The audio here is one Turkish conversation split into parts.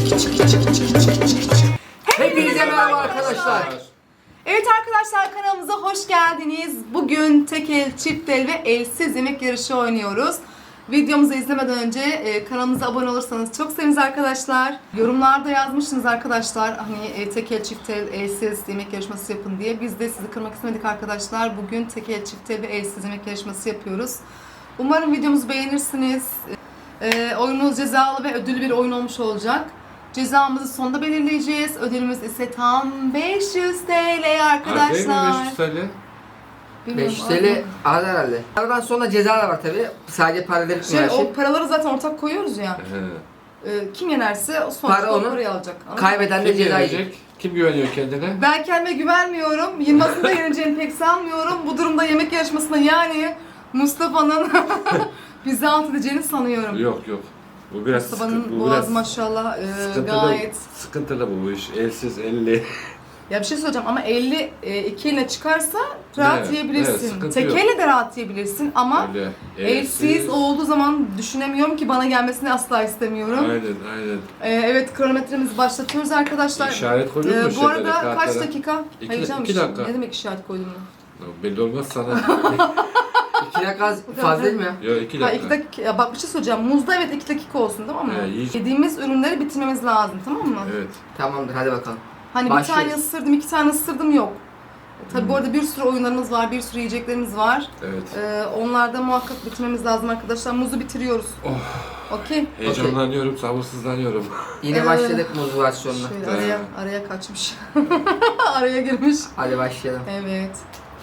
Hepinize merhaba arkadaşlar. Evet arkadaşlar, kanalımıza hoş geldiniz. Bugün tek el, çift el ve elsiz yemek yarışı oynuyoruz. Videomuzu izlemeden önce kanalımıza abone olursanız çok seviniriz arkadaşlar. Yorumlarda yazmışsınız arkadaşlar, hani tek el, çift el, elsiz yemek yarışması yapın diye. Biz de sizi kırmak istemedik arkadaşlar. Bugün tek el, çift el ve elsiz yemek yarışması yapıyoruz. Umarım videomuzu beğenirsiniz. Oyunumuz cezalı ve ödüllü bir oyun olmuş olacak. Cezamızı sonda belirleyeceğiz. Ödülümüz ise tam 500 TL arkadaşlar. 500 TL. 500 TL az herhalde. Aradan sonra ceza da var tabi. Sadece para verip mi her şey? O paraları zaten ortak koyuyoruz ya. Kim yenerse o sonuçta Para o onu, parayı alacak. Kaybeden de Kim ceza yenecek? yiyecek. Kim güveniyor kendine? Ben kendime güvenmiyorum. Yılmaz'ın da yeneceğini pek sanmıyorum. Bu durumda yemek yarışmasında yani Mustafa'nın bizi alt edeceğini sanıyorum. Yok. Bu biraz Mustafa'nın boğazı maşallah gayet... sıkıntılı bu iş. Elsiz, elli. Ya bir şey söyleyeceğim ama 50 iki eline çıkarsa rahat Evet, yiyebilirsin. sıkıntı Tek yok. elle de rahat yiyebilirsin ama Öyle. elsiz olduğu zaman düşünemiyorum ki, bana gelmesini asla istemiyorum. Aynen. Evet, kronometremizi başlatıyoruz arkadaşlar. İşaret koydun mu Bu arada şeylere, kaç kartlara? dakika? Hayır canım, 2 dakika. ne demek işaret koydum ben? Belli olmaz sana. 2 dakika az fazla değil mi ya? Yok 2 Ha, dakika. 2 dakika. Ya bak bir şey söyleyeceğim. Muzda evet 2 dakika olsun, tamam mı? Yiyecek. Yediğimiz ürünleri bitirmemiz lazım, tamam mı? Evet. Tamamdır, hadi bakalım. Hani Başlıyoruz. bir tane ısırdım, 2 tane ısırdım yok. Tabii bu arada bir sürü oyunlarımız var, bir sürü yiyeceklerimiz var. Evet. Onlarda muhakkak bitirmemiz lazım arkadaşlar. Muzu bitiriyoruz. Okey. Heyecanlanıyorum, sabırsızlanıyorum. Yine başladık muz versiyonuna. Şöyle araya kaçmış. Araya girmiş. Hadi başlayalım. Evet.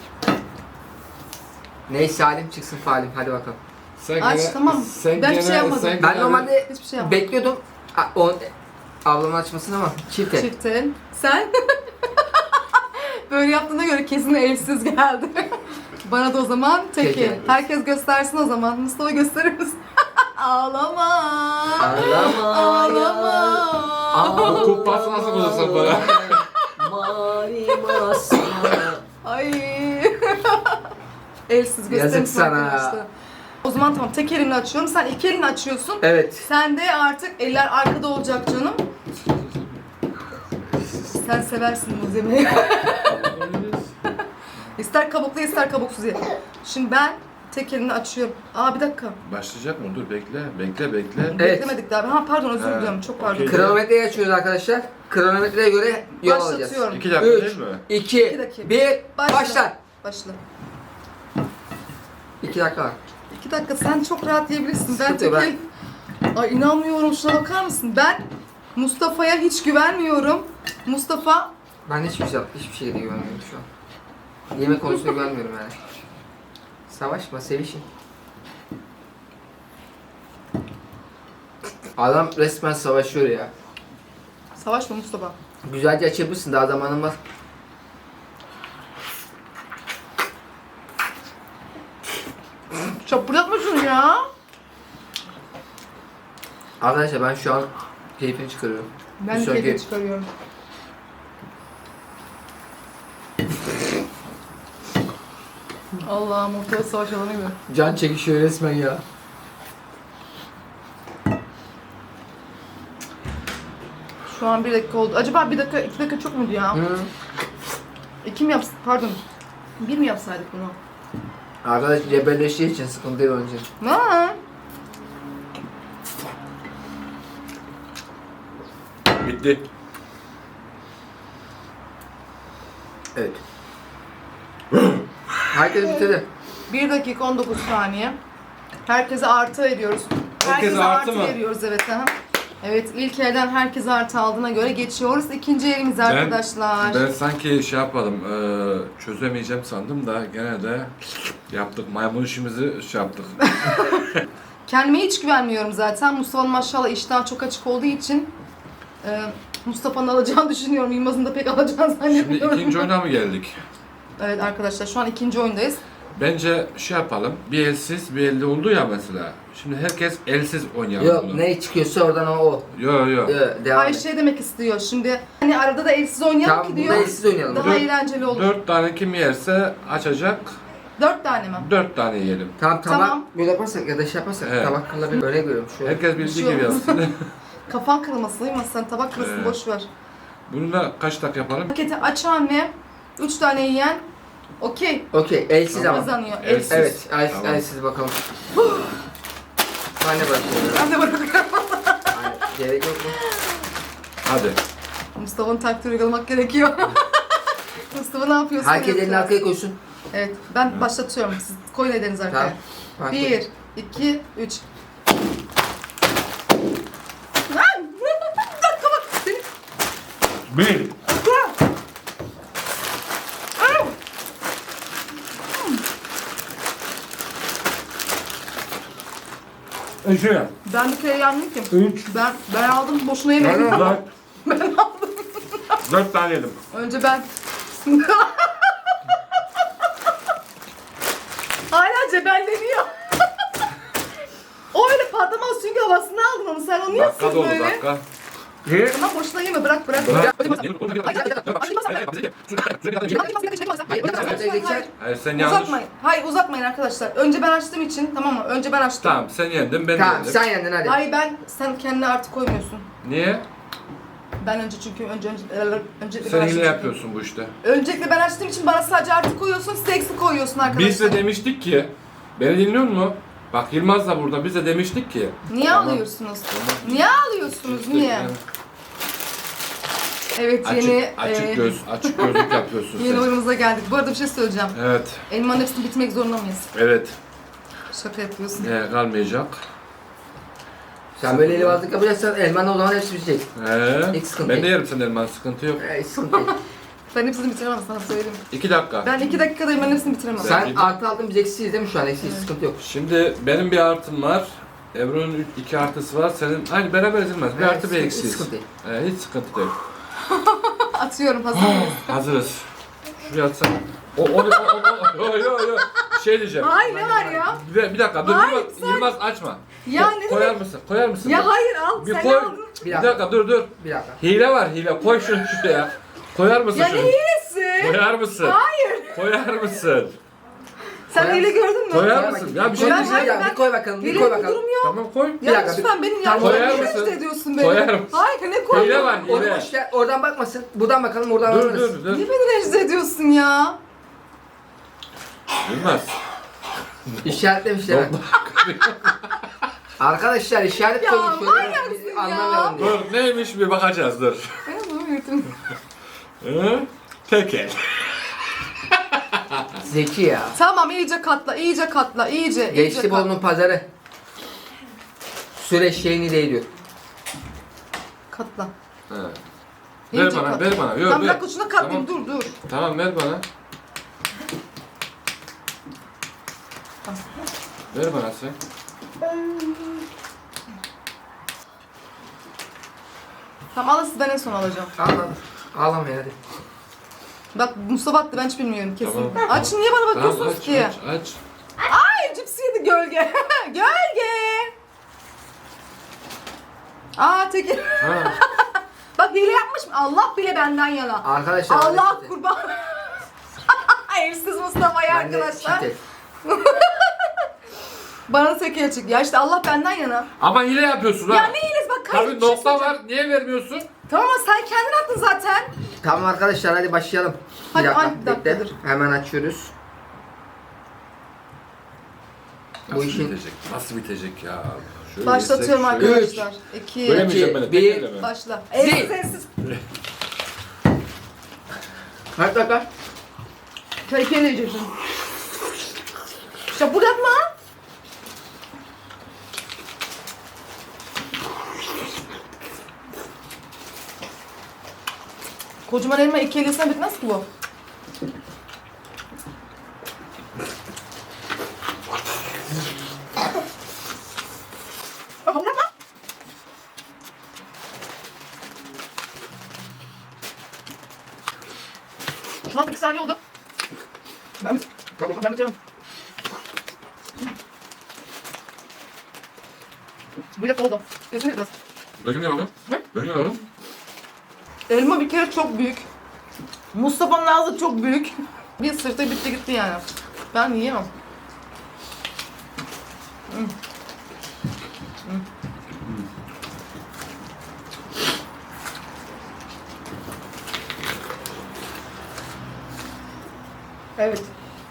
Neyse halim çıksın falim, hadi bakalım. Sen Aç, tamam. Ben bir şey yapmadım. Ben normalde Hiçbir şey yapmadım. bekliyordum ablamın açmasını ama çift el. Çiftel. Sen? Böyle yaptığına göre kesin elsiz geldi. Bana da o zaman Tek teki. el. Herkes göstersin o zaman. Mustafa gösterir misin? Ağlama. Ağlama. Ağlama. Bu kumpası nasıl bulursun bana? Mavi masaya. Ay. Elsiz gösterir Yazık misin sana. arkadaşlar? O zaman tamam, tek elini açıyorum. Sen iki elini açıyorsun. Evet. Sen de artık eller arkada olacak canım. Sen seversin muz yemeği. İster kabuklu ister kabuksuz ye. Şimdi ben tek elini açıyorum. Bir dakika. Başlayacak mı? Dur bekle. Evet. Beklemedik daha. Ha pardon, özür diliyorum. Çok pardon. okey. Kronometreyi açıyoruz arkadaşlar. Kronometreye göre yol alacağız. Başlatıyorum. 2 dakika 3, değil mi? 2, dakika. 1, Başla. başla. Başla. 2 dakika var. 2 dakika, sen çok rahat yiyebilirsin. Ben Sıkıntı tek yok, el... Ay inanmıyorum, şuna bakar mısın? Ben Mustafa'ya hiç güvenmiyorum. Mustafa... Ben hiçbir şeye de güvenmiyorum şu an. Yemek konusunda güvenmiyorum yani. Savaşma, sevişin. Adam resmen savaşıyor ya. Savaşma Mustafa. Güzelce açabilirsin, daha zamanın var. Çapırdatma şunu ya. Arkadaşlar ben şu an keyfini çıkarıyorum. Ben Bir de sonraki- keyfini çıkarıyorum. Allah'ım, ortaya savaş alanı gibi. Can çekişiyor resmen ya. Şu an 1 dakika oldu. Acaba 1 dakika, 2 dakika çok muydu ya? Hı. 2 mi yapsaydık? Pardon. 1 mi yapsaydık bunu? Arkadaş cebelleştiği için sıkıntı yok önce. Ne? Bitti. Evet. Herkes bitirdi. 1 dakika 19 saniye. Herkese artı veriyoruz. Herkese artı mı? veriyoruz, evet. Aha. Evet, ilk elden herkese artı aldığına göre geçiyoruz. İkinci elimize arkadaşlar. Ben sanki şey yapalım, çözemeyeceğim sandım da gene de yaptık. Maymun işimizi şey yaptık. Kendime hiç güvenmiyorum zaten. Mustafa'nın maşallah iştahı çok açık olduğu için Mustafa'nın alacağını düşünüyorum. Yılmaz'ın da pek alacağını Şimdi zannetmiyorum. ikinci oyuna mı geldik? Evet arkadaşlar, şu an ikinci oyundayız. Bence şey yapalım, bir elsiz bir elde oldu ya mesela. Şimdi herkes elsiz oynayalım Yok, bunu. ne çıkıyorsa oradan o. Yo. Devam Ay et. şey demek istiyor şimdi. Hani arada da elsiz oynayalım Tamam, ki burada diyor. elsiz oynayalım. Daha Dört- eğlenceli olur. 4 tane kim yerse açacak, 4 tane mi? 4 tane yiyelim. Tamam. Tamam. Böyle yaparsak ya da şey yaparsak Evet. tabak kalabilir. Öyle görüyorum şu an. Herkes Bir bildiği şey gibi olmaz. yapsın. Kafan kırılmasın değil mi? Sen tabak kırılsın, boş ver. Bunu da kaç tak yapalım? Paketi aç anne. 3 tane yiyen. Okey. Okey, elsiz ama. Kazanıyor. Elsiz. Elsiz. Evet, Tamam. elsiz bakalım. Ben de bırakıyorum. Ben de bırakıyorum. Hayır, gerek yok mu? Hadi. Mustafa'nın taktiği uygulamak gerekiyor. Mustafa ne yapıyorsun? Herkes elini arkaya koysun. Evet, ben başlatıyorum. Siz koyun ellerinizi arkaya. Tamam. 1, 2, 3. Lan! Bir dakika bak. Seni... Bir. İki. Ben bir kere yendim ki. Üç. Ben aldım, boşuna yemedim. Dört. Ben aldım. 4 tane yedim. Önce ben. Hala cebelleniyor. O öyle patlamaz çünkü havasını aldın onu. Sen onu Dakika yapsın dolu böyle. dakika. Bir. Tamam boşuna yeme, bırak. Hayır sen yanlış. Uzatmayın. Hayır uzatmayın arkadaşlar. Önce ben açtığım için, tamam mı? Önce ben açtım. Tamam sen yendin ben Tamam, yendim. sen yendin hadi. Hayır sen kendine artık koymuyorsun. Niye? Ben önce öncelikle Sen ben hile açtım. yapıyorsun bu işte. Öncelikle ben açtığım için bana sadece artı koyuyorsun, size eksi koyuyorsun arkadaşlar. Biz de demiştik ki, beni dinliyor musun? Bak Yılmaz da burada, biz de demiştik ki. Niye Tamam. alıyorsunuz? Tamam. Niye alıyorsunuz? İşte Niye? yani Evet açık gözlük yapıyorsun yeni sen. oyunumuza geldik. Bu arada bir şey söyleyeceğim. Evet, Elmanın hepsini bitmek zorunda mıyız? evet. Şaka yapıyorsun. Kalmayacak. Sen böyle elbazlık yapacaksan elmanın o zaman hepsi bitecek. Hiç sıkıntı Ben de değil. yerim senin elman, sıkıntı yok. Hiç sıkıntı değil. Ben hepsini bitiremem sana söyleyeyim. 2 dakika. Ben 2 dakikada elmanın hepsini bitiremem. Sen artı aldın, biz eksiyiz değil mi şu an? Eksiyiz, sıkıntı yok. Şimdi benim bir artım var. Ebru'nun 2 artısı var. Senin aynı beraber ezilmez. Bir Evet, artı bir hiç eksiyiz. sıkıntı değil. Hiç sıkıntı değil. Atıyorum, hazır mıyız? Hazırız. Şuraya atsana. Yo. Şey diyeceğim. Hayır ne var ya? Bir dakika dur. Hayır, Yılmaz açma. Ya ne Koyar demek? mısın? Koyar mısın? Ya hayır al, Bir sen koy. aldın. Bir dakika dur. Bir dakika. Hile var hile. Koy şunu şuraya. Koyar mısın Ya şunu? ne hilesi? Koyar mısın? Hayır. Koyar mısın? Sen Koyar hile mısın? gördün mü? Koyar Koy mısın? bakayım. Ya bir şey Koy, diyeceğim. ya, bir koy bakalım, bir Hile koy bir bakalım. durum yok. Tamam koy. Ya dakika, lütfen benim Koyar yaptığımı mısın? rencide ediyorsun beni. Koyar mısın? Hayır ne koyuyorsun? Hile var Onu hile. boş ver, oradan bakmasın. Buradan bakalım, oradan Dur anlarız. dur. Niye beni rencide ediyorsun ya? Bilmez. İşaretlemiş değil mi? Arkadaşlar işaret Ya, koymuş. şöyle manyaksın biz ya. anlamayalım diye. Dur neymiş bir bakacağız dur. Ben bunu yırtım. Hı? Tekel. Zeki ya. Tamam iyice katla, iyice katla, iyice. Geçti katla. Bolu'nun pazarı. Süreç şeyini değiliyor. Katla. He. İyice Ver bana, katla. ver bana. Yok, Tamam bir ver. dakika şuna katlayayım, Tamam. dur. Tamam ver bana. Ver bana sen. Tamam alın siz, ben en son alacağım. Ağlama. Ağlama hadi. Bak Mustafa attı, ben hiç bilmiyorum kesin. Tamam. Açın, niye bana Tamam bakıyorsunuz aç, ki? aç. Ay cipsi yedi gölge. Gölge. Aa tekir. Ha. Bak hile yapmış mı? Allah bile benden yana. Arkadaşlar. Allah hadi. kurban. Evsiz Mustafa'yı Ben de arkadaşlar. şiddet. Bana tekeye çık. Ya işte Allah benden yana. Ama hile yapıyorsun ha. Ya ne hilesi bak kayıp Tabii bir şey nokta söyleyeceğim. var. Niye vermiyorsun? Tamam ama sen kendin attın zaten. Tamam arkadaşlar hadi başlayalım. Hadi, bir dakika, ay, bir dakika, bekle. dur. Hemen açıyoruz. Bu Nasıl işin- bitecek? Nasıl bitecek ya? Şöyle Başlatıyorum yesek, şöyle- arkadaşlar. 2 Bölemeyeceğim ben de. bir- tekelle mi? başla. Zil. Evsiz. Kaç dakika? Tekeyle yiyeceksin. Şapur yapma. Kocaman elma 2 elesine bitmez ki bu. Şu an 2 saniye oldu. Ben bitiriyorum. Bu dakika oldu. Gözünü biraz. Bakın ne yapalım? Bakın ne yapalım? Elma bir kere çok büyük. Mustafa'nın ağzı çok büyük. Bir sırtı bitti gitti yani. Ben yiyemem. Evet.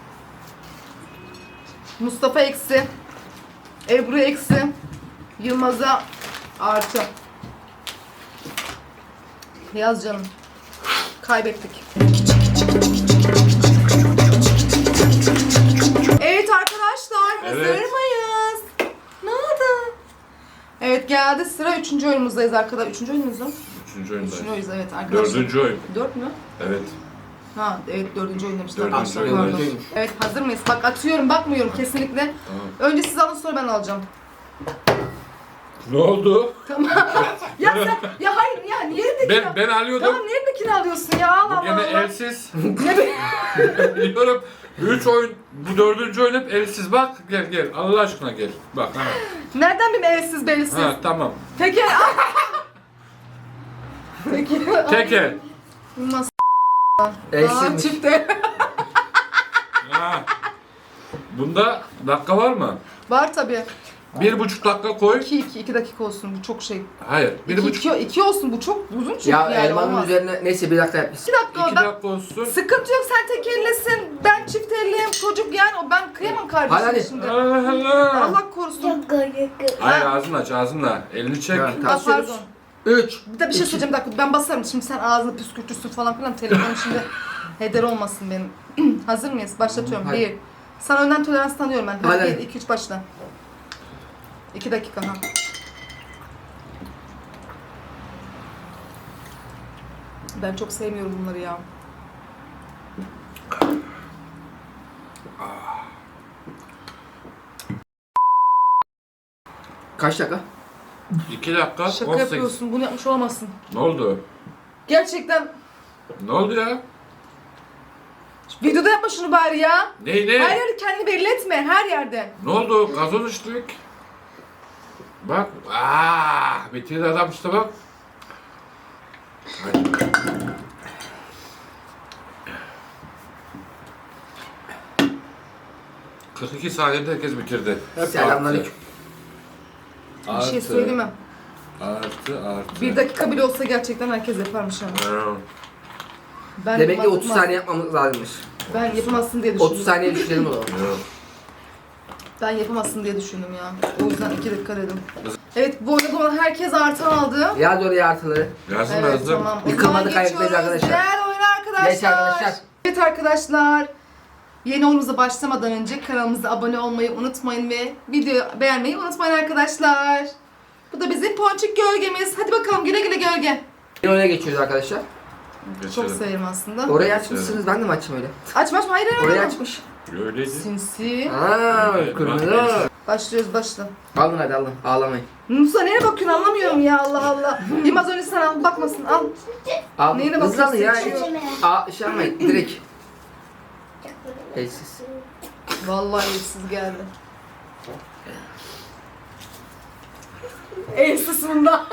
Mustafa eksi. Ebru eksi. Yılmaz'a artı. Yaz canım. Kaybettik. Evet arkadaşlar, hazır Evet. mıyız? Ne oldu? Evet, geldi sıra 3. oyunumuzdayız arkadaşlar. 3. oyunumuz mu? 3. oyundayız. 3. oyunuz, evet arkadaşlar. 4. oyun. 4 mü? Evet. Ha evet, 4. oyun demiştim. Dördüncü Aslında oyun. pardon. Dördüncüymüş. Evet, hazır mıyız? Bak atıyorum, bakmıyorum kesinlikle. Tamam. Önce siz alın, sonra ben alacağım. Ne oldu? Tamam. Ya sen, ya hayır ya, niye elimdekini Ben alıyordum. Tamam, niye elimdekini alıyorsun ya? Allah Bu gene Allah. elsiz. Ne be? Biliyorum. 3 oyun, bu 4. oyun hep elsiz. Bak gel Allah aşkına gel. Bak ha. Nereden bir elsiz belsiz? Ha tamam. Tekel. Tekel. Tekel. Nasıl? Elsizmiş. Çifte. Ha. Bunda dakika var mı? Var tabii. 1,5 dakika koy. 2 dakika olsun, bu çok şey. Hayır. 1,5 2 olsun, bu çok uzun çünkü Ya yani elmanın olmaz. üzerine neyse bir dakika yapmışsın. 2 dakika, 2 ben dakika olsun. sıkıntı yok, sen tek ellesin, ben çift elliyim, çocuk yani, o ben kıyamam kardeşim Hadi. şimdi. Allah. Allah korusun. Hayır ağzını aç ağzınla. Elini çek. Evet. Ha, pardon. 3. Bir de bir şey söyleyeceğim, bir dakika, ben basarım şimdi, sen ağzını püskürtürsün falan filan, telefonum şimdi heder olmasın benim. Hazır mıyız? Başlatıyorum. Hadi. 1. Sana önden tolerans tanıyorum ben. Hadi. 1, 2, 3 başla. 2 dakika ha. Ben çok sevmiyorum bunları ya. Kaç dakika? 2 dakika Şaka 18. yapıyorsun, bunu yapmış olamazsın. Ne oldu? Gerçekten Ne oldu ya? videoda yapma şunu bari ya. Ne? Her yerde kendini belli etme, her yerde. Ne oldu? Gazoz içtik. Bak. Bitirdi adam işte bak. Hadi. ...42 saniyede herkes bitirdi. Hep Selamünaleyküm. Bir şey söyleyeyim mi? Artı. 1 dakika bile olsa gerçekten herkes yaparmış yani. Ha. Ben Demek ki 30 yapamaz- saniye yapmamız lazımmış. Ben yapamazsın diye düşündüm. 30 saniye düşürelim o zaman. Yok. Ben yapamazsın diye düşündüm ya. O yüzden 2 dakika dedim. Evet, bu arada olan herkes artı aldı. Yaz oraya artıları. Yazdım Evet, yazdım. tamam. O Yıkılmadı, zaman kaybetmeyiz geçiyoruz arkadaşlar. diğer oyuna arkadaşlar. Geç arkadaşlar. Evet arkadaşlar. Yeni oyunumuza başlamadan önce kanalımıza abone olmayı unutmayın ve videoyu beğenmeyi unutmayın arkadaşlar. Bu da bizim ponçik gölgemiz. Hadi bakalım, güle güle gölge. Yine oraya geçiyoruz arkadaşlar. Çok Geçelim. severim aslında. Orayı açmışsınız, ben de mi açayım öyle? Açma açma, hayır hayır. Orayı hayır. açmış. Öyleydi. Sinsi. Aaa Evet, kırmızı. bak, Başlıyoruz, başla. Alın hadi alın, ağlamayın. Musa neye bakıyorsun, anlamıyorum ya, Allah Allah. Yılmaz önce sen al, bakmasın, al. Al. Neyine Hızlı alın ya. bakıyorsun? Şey yapmayın, direkt. Elsiz. Vallahi elsiz geldi. Elsiz bunda.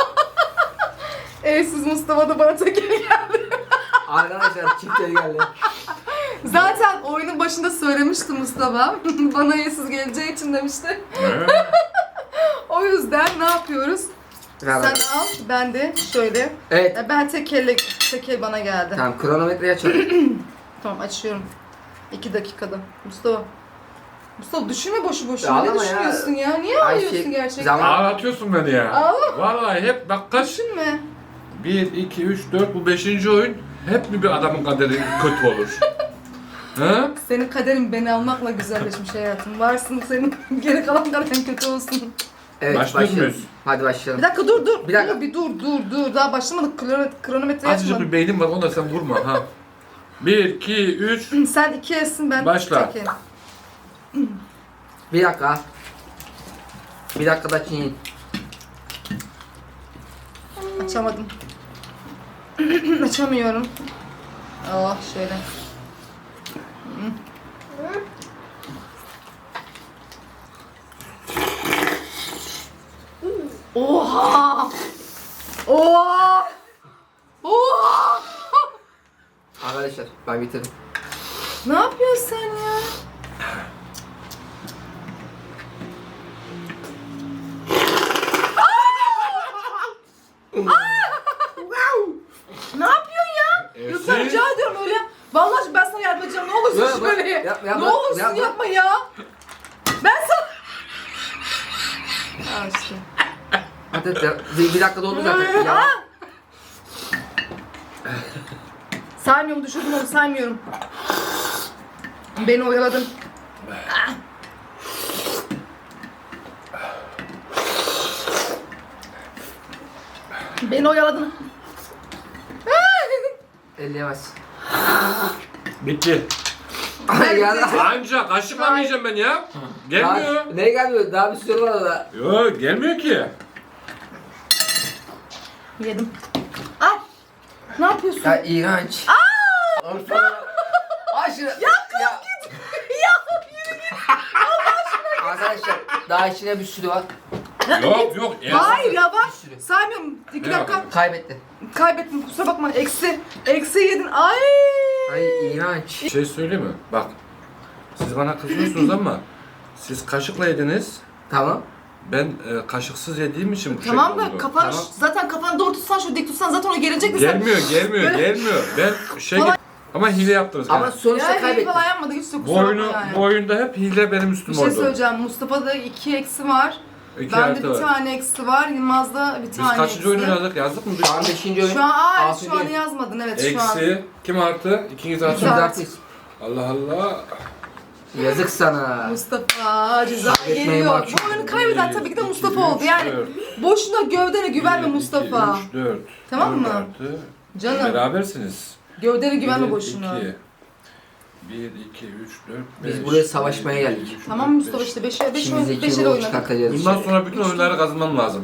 Elsiz Mustafa da bana tekel geldi. Arkadaşlar çiftleri geldi. Zaten oyunun başında söylemişti Mustafa. Bana elsiz geleceği için demişti. Ne? O yüzden ne yapıyoruz? Ver, ver. Sen al, ben de şöyle. Evet. Ben tekel bana geldi. Tamam kronometreyi açalım. Tamam, açıyorum. 2 dakikada. Mustafa düşünme boşu Ya boşuna. Ne ağlama ya. düşünüyorsun ya? Niye Ay ağlıyorsun şey, gerçekten? zaman- Ağlatıyorsun beni ya. Ağlama. Vallahi hep bak kaç. Düşünme. 1, 2, 3, 4 bu 5. oyun. Hep mi bir adamın kaderi kötü olur? Ha? Senin kaderin beni almakla güzelleşmiş hayatım. Varsın senin, geri kalan kaderin kötü olsun. Evet Başlıyor başlıyoruz. muyuz? Hadi Bir başlayalım. dakika dur. Bir dakika. Dur. Daha başlamadık. Kronometre Azıcık açmadım. bir beynim var onu da sen vurma ha. 1, 2, 3. Sen 2 yesin, ben Başla. tek Bir dakika. Bir dakikada çiğneyin. Açamadım. Açamıyorum. Oh şöyle. Oha! Oha! Oha! Arkadaşlar ben bitirdim. Ne yapıyorsun sen ya? Ne yapıyorsun ya? Elsiz. Lütfen rica ediyorum öyle. Vallahi ben sana yardım edeceğim. Ne olursun Al işte. Hadi bir dakika doldu zaten. Ya. Saymıyorum, düşürdüm onu, saymıyorum. Beni oyaladın. Beni oyaladın. Elleyemez. Bitti. Ay ya. Anca kaşıkla mı yiyeceğim ben ya? Gelmiyor. Ne gelmiyor? Daha bir sürü var orada. Yok gelmiyor ki. Yedim. Ay! Ne yapıyorsun? Ya iğrenç. Ay şunu. Ya. Arkadaşlar daha içine bir sürü var. Yok. Hayır yavaş. sürü. Saymıyorum. 2 Ne dakika. bakalım? Kaybetti. Kaybettim, kusura bakma. Eksi yedin. Ay! Ay iğrenç. Bir şey söyleyeyim mi? Bak. Siz bana kızıyorsunuz ama siz kaşıkla yediniz. Tamam. Ben kaşıksız yediğim için bu Tamam şekil da oldu. kafanı Tamam. zaten kafanı doğru tutsan, şu dik tutsan zaten o gelecek de sen. Gelmiyor. Ben Kolay- ama hile yaptınız. Ama yani. sonuçta Ya iyi kaybettin. falan yapmadık, hiç de Bu kusura oyunu, bakma yani. bu oyunda hep hile benim Bir üstüm şey oldu. söyleyeceğim. Mustafa'da 2 eksi var. İki Bende artı bir var. tane eksi var. Yılmaz'da bir Biz tane kaçıncı eksi. oyunu yazdık? Yazdık mı? Şu an 5. oyun. Şu an Altıncı şu an oyun. yazmadın, evet şu an. Eksi. Kim artı? İkiniz artı. İkiniz mı? artı. Allah Allah. Yazık sana. Mustafa ceza Kaybetmeyi geliyor. mahkum. Bu oyunu kaybeden tabii ki de Mustafa oldu. Yani boşuna gövdene güvenme Mustafa. 3, 4. Tamam mı? Artı. Canım. Berabersiniz. Gövdene güvenme 1, boşuna. 2, 1, 2, 3, 4, 5. Biz buraya savaşmaya geldik. Tamam Mustafa, işte 5'e İçimizdeki 5'e ruhu oynadık. çıkartacağız. Bundan sonra bütün oyunları kazanmam lazım.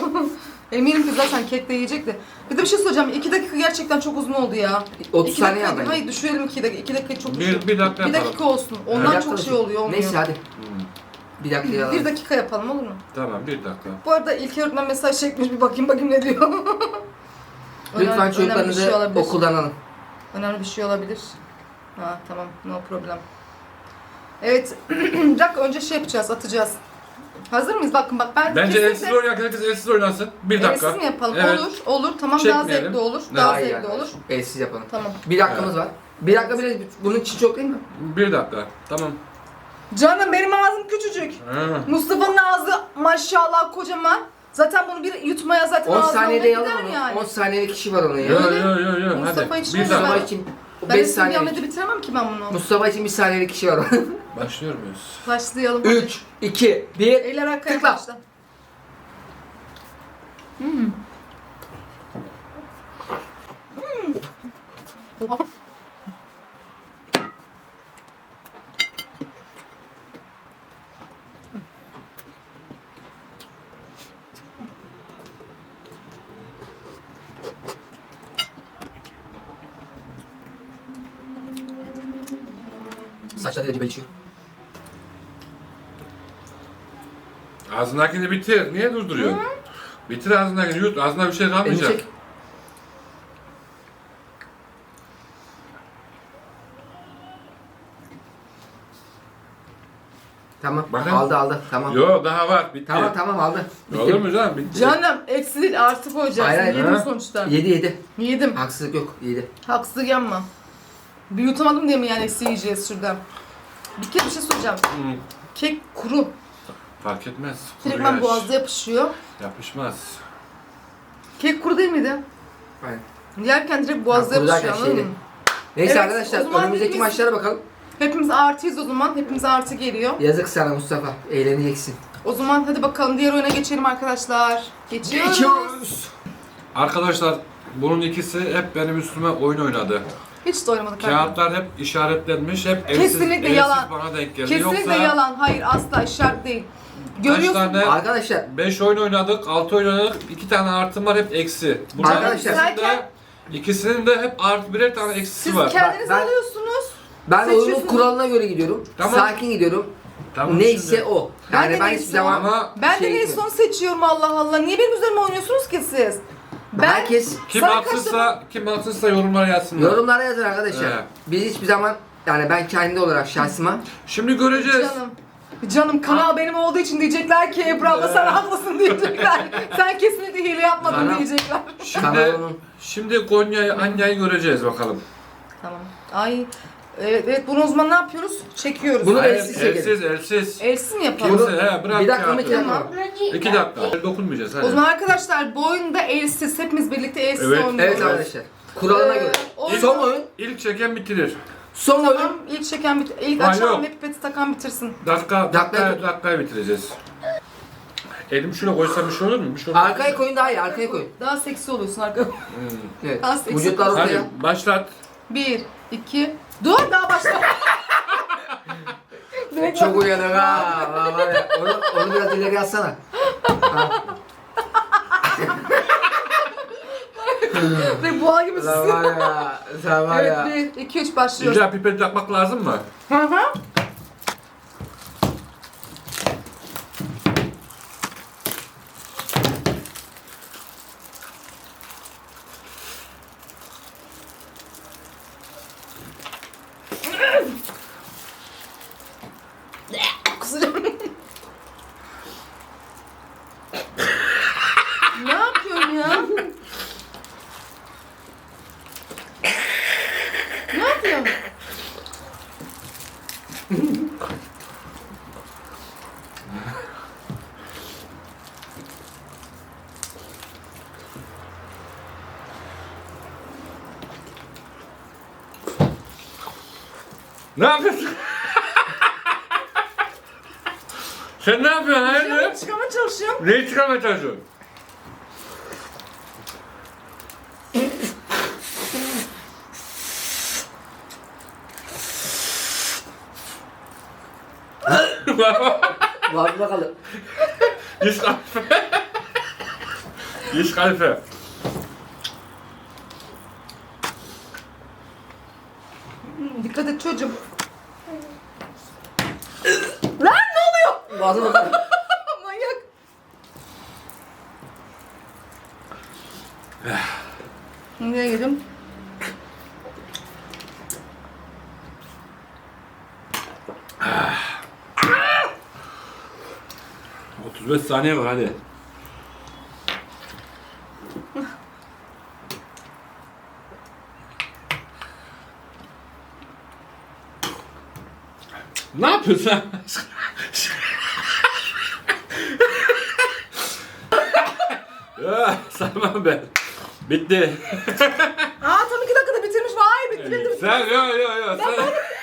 Eminim ki zaten kek de yiyecek de. Bir de bir şey söyleyeceğim. 2 dakika gerçekten çok uzun oldu ya. 30 İki saniye dakika- yap Hayır düşürelim 2 dakika. 2 dakika çok Bir dakika Bir yapalım. dakika olsun. Ondan Bir çok dakika şey oluyor, olmuyor. Neyse hadi. Bir dakika ya. 1 dakika yapalım, olur mu? Tamam 1 dakika. Bu arada İlker öğretmen mesaj çekmiş, bir bakayım ne diyor. Lütfen önemli bir çocuklarınızı şey olabilir. okuldan alın. Önemli bir şey olabilir. Ha tamam, no problem. Evet, bir dakika önce şey yapacağız, atacağız. Hazır mıyız? Bakın bak ben Bence kesinlikle- elsiz oynayan herkes elsiz oynasın. 1 dakika. Elsiz mi yapalım? Evet. Olur. Tamam, daha Çekmeyelim. zevkli olur. Ne? Daha Hayır zevkli yani. olur. Elsiz yapalım. Tamam. Bir dakikamız var. Bir dakika bile bunun için çok değil mi? 1 dakika. Tamam. Canım benim ağzım küçücük. Ha. Mustafa'nın ağzı maşallah kocaman. Zaten bunu bir yutmaya zaten 10 ağzına saniyede gider yalan onu. yani. 10 saniyelik kişi var onun ya. Yo. Mustafa Hadi. hiç 1 mi dakika. Mustafa için Ben 5 de bir saniyelik. Ahmet'i bitiremem ki ben bunu. Mustafa için 1 saniyelik kişi var. Başlıyor muyuz? Başlayalım. hadi. 3, 2, 1. Eller arkaya Tıkla. başla. Saçları acı belçiyor. Ağzındakini bitir. Niye durduruyorsun? Bitir ağzındakini yut. Ağzında bir şey Elini kalmayacak. çek. Tamam. Bakın. Aldı. Tamam. Yo daha var. Bitti. Tamam aldı. Bitti. Olur mu canım? Bitti. Canım eksi değil, artı koyacaksın. Hayır, hayır. Yedin Ha? sonuçta. 7. Yedim. Haksızlık yok. 7. Haksızlık yapma. Bir yutamadım diye mi yani eksi yiyeceğiz şuradan? Bir kere bir şey soracağım. Hı. Kek kuru. Fark etmez. Kuru Direktmen yaş. boğazda yapışıyor. Yapışmaz. Kek kuru değil miydi? Aynen. Yerken direkt boğazda Ha, kuru yapışıyor, derken anladın şeydi. mı? Neyse Evet, arkadaşlar o zaman önümüzdeki biz- maçlara bakalım. Hepimiz artıyız o zaman. Hepimize artı geliyor. Yazık sana Mustafa. Eğleneceksin. O zaman hadi bakalım diğer oyuna geçelim arkadaşlar. Geçiyoruz. Arkadaşlar bunun ikisi hep benim üstüme oyun oynadı. Hiç de oynamadık arkadaşlar. Kağıtlar hep işaretlenmiş. Hep Kesinlikle yalan. bana denk geldi. Kesinlikle Yoksa yalan. Hayır, asla işaret değil. kaç Görüyorsun. tane? Arkadaşlar 5 oyun oynadık, 6 oyun oynadık, 2 tane artım var hep eksi. Bunların Arkadaşlar- ikisinin de hep artı birer tane eksisi Siz var. kendiniz Ben- alıyorsunuz. ben oyunun Seçiyorsunuz. kuralına göre gidiyorum. Tamam. Sakin gidiyorum. Tamam, Neyse şimdi- o. Ben Yani de ben neyse hiçbir zaman Ama Ben de en gitmiyorum. son seçiyorum, Allah Allah. Niye benim üzerime oynuyorsunuz ki siz? Ben Herkes kim Sarı haksızsa yorumlara yazsınlar. yorumlara yazın arkadaşlar. Evet. Biz hiçbir zaman yani ben kendi olarak şahsıma Şimdi göreceğiz. Canım kanal benim olduğu için diyecekler ki Ebru abla sen haklısın diyecekler. Sen kesinlikle hile yapmadın Kanal- diyecekler. Şimdi kanalımın şimdi Konya'yı, Anya'yı göreceğiz bakalım. Tamam. Ay Evet, bunu o zaman ne yapıyoruz? Çekiyoruz. Bunu Hayır, elsiz çekelim. elsiz. Elsiz mi yapalım? Kimse bırak Bir dakika mı kağıdı. iki dakika Tamam. mı? 2 dakika. Dokunmayacağız hadi. O zaman arkadaşlar bu oyunda elsiz. Hepimiz birlikte elsiz Evet. oynuyoruz. Evet arkadaşlar. Kuralına göre. oyun- Son oyun. İlk çeken bitirir. Son Tamam, oyun. ilk çeken ilk Ha, açan yok. ve pipeti takan bitirsin. Dakikaya bitireceğiz. Elimi şuna koysam bir şey olur mu? Bir şey olur mu? Arkaya koyun daha iyi. Arkaya koyun. Daha seksi oluyorsun arka. Evet. Daha seksi. Vücutlar ortaya. Hadi başlat. 1, 2, dur daha başla. Çok uyanık ha. Var ya, onu biraz ileri atsana. Ha. Ve boğa gibi Sen susuyor. var ya. Sen var ya. Evet 1, 2, 3 başlıyoruz. İlla pipet takmak lazım mı? Hı hı. Kusacağım. Ne yapıyorsun ya? Ne yapıyorsun? Ne yapıyorsun? Sen ne yapıyorsun hayırdır? Çıkamaya çalışıyorum. Neyi çıkarmaya çalışıyorsun? Var bakalım. Diş kalife. Diş kalife. Dikkat et çocuğum. Lan ne oluyor? Boğazına bakalım. Manyak. Nereye gidiyorum? Ah. 35 saniye var hadi. Ne yapıyorsun sen? Ya, Sarmam ben. Bitti. Aa tam 2 dakikada bitirmiş. Vay bitti bitti. Sen yo sen.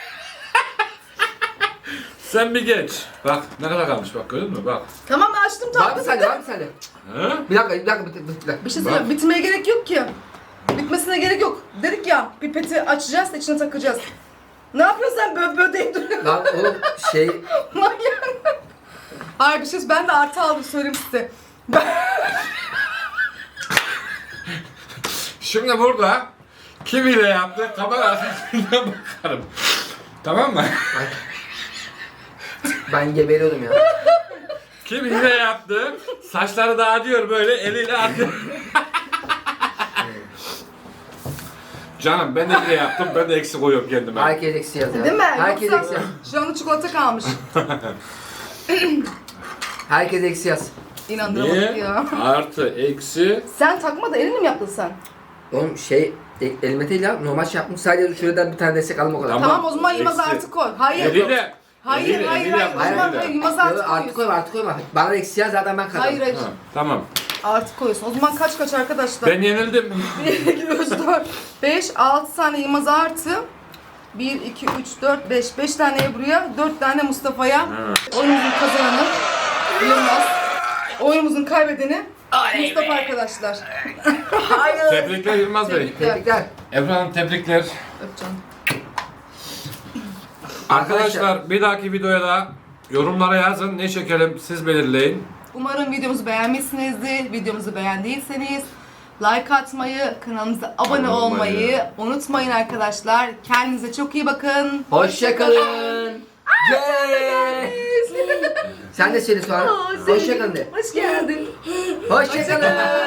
Sen bir geç. Bak ne kadar kalmış bak gördün mü bak. Tamam ben açtım Var tam. bir saniye, var bir saniye. Ha? Bir dakika. Bir dakika. Bir şey söyleyeyim. Bitmeye gerek yok ki. Bitmesine gerek yok. Dedik ya pipeti açacağız içine takacağız. Ne yapıyorsun sen böyle deyip duruyorsun? Lan oğlum şey... Manyak. Hayır bir şey ben de artı aldım söyleyeyim size. Şimdi burada kim ile yaptı kamera arkasından bakarım. Tamam mı? Ben geberiyordum ya. Kim hile yaptı? Saçları dağıtıyor böyle eliyle atıyor. Canım ben de hile yaptım. Ben de eksik koyuyorum kendime. Herkes eksi yaz ya. Değil mi? Herkes Yoksa eksi yaz. şu anda çikolata kalmış. Herkes eksi yaz. İnandıramadık Niye? ya. Artı, eksi. Sen takma da elinle mi yaptın sen? Oğlum şey... Elime değil ya. Normal şey yaptım. Sadece şuradan bir tane destek aldım o kadar. Tamam. Tamam o zaman Yılmaz eksi. artı koy. Hayır. Eliyle. Hayır, eliyle, hayır, eliyle hayır. yapma, O zaman eliyle. hayır, Yılmaz artı Artık koyuyorsun. artık koyma. Bana da eksi yaz zaten ben kazandım. Hayır hayır. Ha, tamam. Artı koyuyorsun. O zaman kaç arkadaşlar? Ben yenildim. 1, 2, 3, 4, 5, 6 tane Yılmaz artı. 1, 2, 3, 4, 5. 5 tane Ebru'ya, 4 tane Mustafa'ya. Ha. Oyunumuzun kazananı Yılmaz. Oyunumuzun kaybedeni Mustafa arkadaşlar. Hayır. Tebrikler Yılmaz Bey. Tebrikler. Ebru Hanım tebrikler. Öpeceğim. Arkadaşlar bir dahaki videoya da yorumlara yazın. Ne çekelim siz belirleyin. Umarım videomuzu beğenmişsinizdir. Videomuzu beğendiyseniz like atmayı, kanalımıza abone olmayı unutmayın arkadaşlar. Kendinize çok iyi bakın. Hoşçakalın. Sen de söyle sonra. Hoşçakalın de. Hoş geldin. Hoşçakalın.